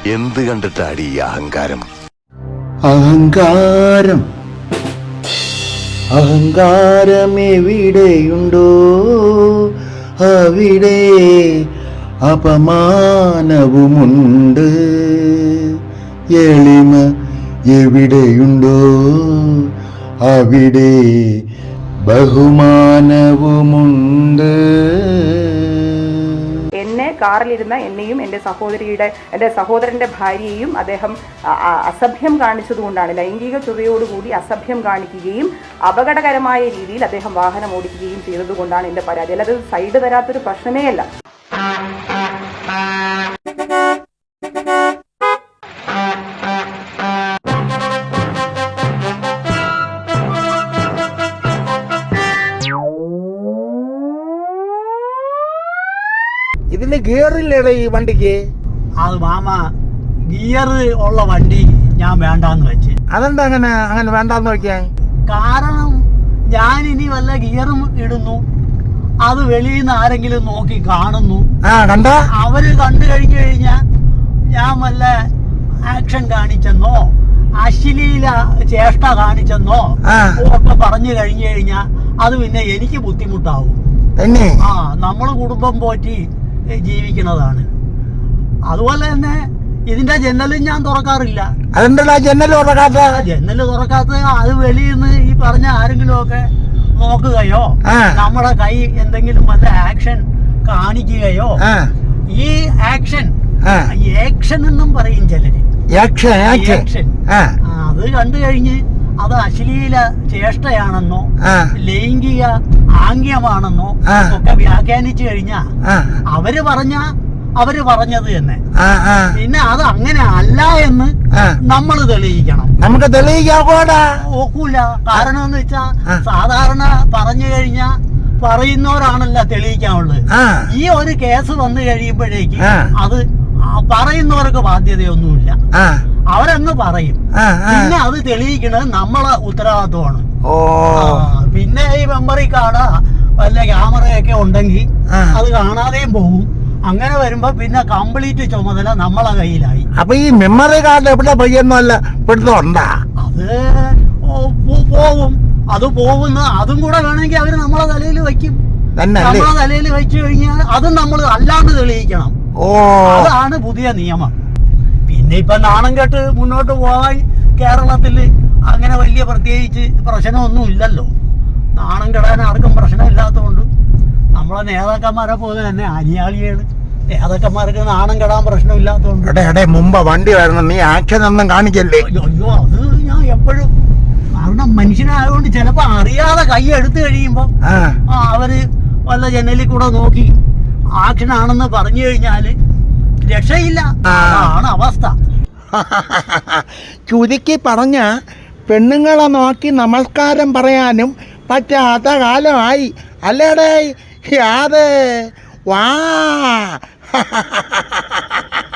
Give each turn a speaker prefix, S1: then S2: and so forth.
S1: എന്ത് കണ്ടിട്ടാടി ഈ അഹങ്കാരം?
S2: അഹങ്കാരം അഹങ്കാരം എവിടെയുണ്ടോ അവിടെ അപമാനവുമുണ്ട്. എളിമ എവിടെയുണ്ടോ അവിടെ ബഹുമാനവുമുണ്ട്.
S3: എന്നെ കാറിലിരുന്ന എന്നെയും എൻ്റെ സഹോദരൻ്റെ ഭാര്യയെയും അദ്ദേഹം അസഭ്യം കാണിച്ചതുകൊണ്ടാണ്, ലൈംഗിക ചുവയോടുകൂടി അസഭ്യം കാണിക്കുകയും അപകടകരമായ രീതിയിൽ അദ്ദേഹം വാഹനം ഓടിക്കുകയും ചെയ്തതുകൊണ്ടാണ് എൻ്റെ പരാതി. അല്ലാതെ സൈഡ് തരാത്തൊരു പ്രശ്നമേ അല്ല.
S2: ഇതിന് ഗിയറില്ലേടാ ഈ വണ്ടിക്ക്?
S4: അത് മാമ ഗിയർ ഉള്ള വണ്ടി ഞാൻ വേണ്ടാന്ന് വെച്ച്.
S2: അതെന്താ അങ്ങനെ വേണ്ടാന്ന് വെക്കാൻ
S4: കാരണം ഞാൻ ഇനി വല്ല ഗിയറും ഇടുന്നു, അത് വെളിയിൽ നിന്ന് ആരെങ്കിലും നോക്കി കാണുന്നു, അവര് കണ്ടു കഴിഞ്ഞു കഴിഞ്ഞാൽ ഞാൻ വല്ല ആക്ഷൻ കാണിച്ചെന്നോ അശ്ലീല ചേഷ്ട കാണിച്ചെന്നോ ഒക്കെ പറഞ്ഞു കഴിഞ്ഞു കഴിഞ്ഞാൽ അത് പിന്നെ എനിക്ക് ബുദ്ധിമുട്ടാവും. നമ്മള് കുടുംബം പോറ്റി ജീവിക്കുന്നതാണ്. അതുപോലെ തന്നെ ഇതിന്റെ ജനലും ഞാൻ തുറക്കാറില്ല. ജനല് തുറക്കാത്ത അത് വെളിയിൽ നിന്ന് ഈ പറഞ്ഞ ആരെങ്കിലും ഒക്കെ നോക്കുകയോ നമ്മുടെ കൈ എന്തെങ്കിലും വല്ല ആക്ഷൻ കാണിക്കുകയോ, ഈ ആക്ഷൻ എന്നും പറയും ചിലര്, അത് കണ്ടു കഴിഞ്ഞ് അത് അശ്ലീല ചേഷ്ടയാണെന്നോ ലൈംഗിക ആംഗ്യമാണെന്നോ ഒക്കെ വ്യാഖ്യാനിച്ചു കഴിഞ്ഞാ അവര് പറഞ്ഞത് തന്നെ. പിന്നെ അത് അങ്ങനെ അല്ല എന്ന് നമ്മൾ തെളിയിക്കണം.
S2: നമുക്ക്
S4: ഒക്കൂല. കാരണം എന്ന് വെച്ചാ സാധാരണ പറഞ്ഞു കഴിഞ്ഞാ പറയുന്നവരാണല്ലോ തെളിയിക്കാനുള്ളത്. ഈ ഒരു കേസ് വന്നു കഴിയുമ്പോഴേക്ക് അത് പറയുന്നവർക്ക് ബാധ്യതയൊന്നുമില്ല, അവരങ്ങ് പറയും. പിന്നെ അത് തെളിയിക്കണത് നമ്മളെ ഉത്തരവാദിത്വമാണ്. പിന്നെ ഈ മെമ്മറി കാർഡ് വല്ല ക്യാമറയൊക്കെ ഉണ്ടെങ്കിൽ അത് കാണാതെയും പോകും. അങ്ങനെ വരുമ്പോ പിന്നെ കംപ്ലീറ്റ് ചുമതല നമ്മളെ കയ്യിലായി.
S2: അപ്പൊ ഈ മെമ്മറി കാർഡ് എവിടെ പയ്യൊന്നുമല്ല
S4: അത് പോവും. അത് പോകുന്ന അതും കൂടെ വേണമെങ്കിൽ അവര് നമ്മളെ തലയിൽ വെക്കും. നമ്മളെ തലയിൽ വെച്ചു കഴിഞ്ഞാൽ അതും നമ്മൾ അല്ലാണ്ട് തെളിയിക്കണം. അതാണ് പുതിയ നിയമം. പിന്നെ ഇപ്പൊ നാണം കെട്ട് മുന്നോട്ട് പോകാൻ കേരളത്തില് അങ്ങനെ വലിയ പ്രത്യേകിച്ച് പ്രശ്നമൊന്നും ഇല്ലല്ലോ. നാണം കെടാൻ ആർക്കും പ്രശ്നമില്ലാത്തതുകൊണ്ട് നമ്മളെ നേതാക്കന്മാരെ പോലെ തന്നെ അനിയാളിയാണ്. നേതാക്കന്മാർക്ക് നാണം കെടാൻ പ്രശ്നമില്ലാത്തതുകൊണ്ട്
S2: മുമ്പ് വണ്ടി വരുന്ന നീ ആക്ഷൻ ഒന്നും കാണിക്കല്ലേ?
S4: അയ്യോ, അത് ഞാൻ എപ്പോഴും, കാരണം മനുഷ്യനായതുകൊണ്ട് ചിലപ്പോ അറിയാതെ കൈ എടുത്തു കഴിയുമ്പോ അവര് വല്ല ജനലിൽ കൂടെ നോക്കി ആക്ഷൻ ആണെന്ന് പറഞ്ഞു കഴിഞ്ഞാല് രക്ഷയില്ല. ആണ് അവസ്ഥ.
S2: ചുരുക്കി പറഞ്ഞ പെണ്ണുങ്ങളെ നോക്കി നമസ്കാരം പറയാനും പറ്റാത്ത കാലമായി അല്ലേടേ? യാതെ വാ